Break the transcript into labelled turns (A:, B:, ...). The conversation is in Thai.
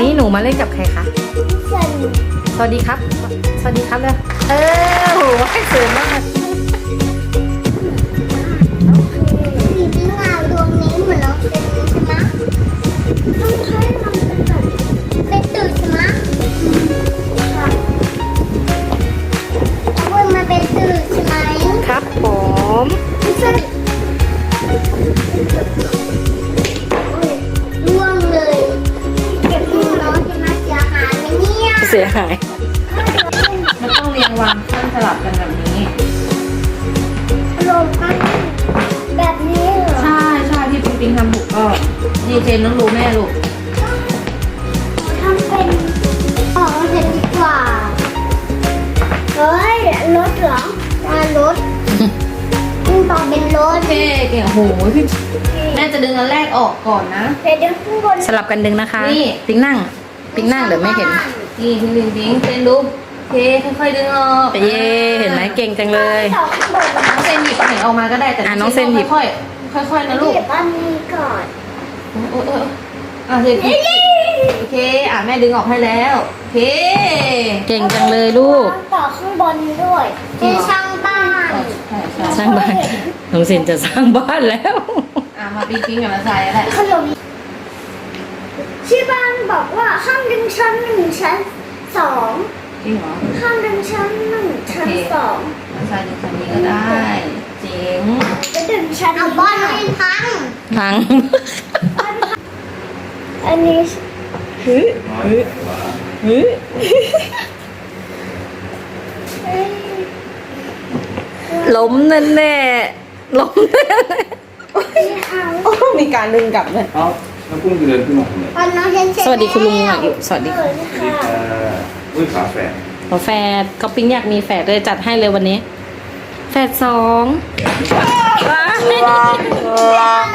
A: นี้หนูมาเล่นกับใครคะสวัสดีครับสวัสดีครับเลยโหให้สวยมาก
B: สีพิงค์ดวงนี้เหมือนน้องเป็นใช่ไหมต้องใช้มันเป็นแบบเป็นตื่นใช่ไหมค่ะเอาไว้มาเป็นตื่นใช่ไหม
A: ครับผม
B: ไม่ใช่โอ้ยร่วงเลยเก็บมือน้องจะมาเสียหายไหมเนี่ย
A: เสียหาย
C: มันต้องเรียงวางขั้นสลับกันแบบนี้
B: ลงกันแบบนี้เหรอ
C: ใช่ที่ปิงปิงทำถูกก็ดีเจนต้องรู้แม่ลูก
B: ทำเป็นออกมาเสร็จดีกว่าเฮ้ยรถเหรอรถต่อเป็นรถ
C: โอเคเก่งโหพี่แม่จะดึงอันแรกออกก่อนนะ
B: เดี๋ยวข้างบน
A: สลับกันดึงนะคะ
C: นี่
A: ปิงนั่งเดี๋ยวไม่เห็น
C: นี่พิงปิงปิงเต้นดูโอเคค่อยๆดึงออก
A: เย้เห็นไหมเก่งจังเลย
B: ต่อข้างบน
C: น้องเซนหยิบอันไหนออกมาก็ได้แต่
A: น้องเซนหยิบ
C: ค่อยๆนะลูก
B: เก็บอันนี้ก่อน
C: เซนโอเคแม่ดึงออกให้แล้วโอเค
A: เก่งจังเลยลูก
B: ต่อข้างบนด้วยเป็นช่างบ้าน
C: ใช่
A: สร้างบ้านน้องเซนจะสร้างบ้านแล้ว
C: มาปิงปิงกับมาใส่อะไร
B: ขนมที่บ้านบอกว่าห้ามดึงชั้นหนึ่งชั้นสอง
C: จริงเหรอ
B: ห้ามดึงชั้นหนึ่งชั้นสอง
C: มาใส่ดึงคันนี้ก็ได้เจ๋ง
B: จะดึงชั้นเอาบ้านให้พัง
A: พัง
B: อันนี้
A: ล้มแน่ๆล้มแน่
C: มีการดึงกลับเลย
D: เอ้าแล้วกุ้งจะเดินขึ้นมาทำไม
B: ตอนน้องเห็นเสร็จ
A: สวัสดีคุณลุงอ่ะอยู่สวัสดี
B: ค่ะ
D: อุ้ยฝาแฝด
A: ขอแฝดเขาปิ๊งอยากมีแฝดเลยจัดให้เลยวันนี้ แฝดสองว้าย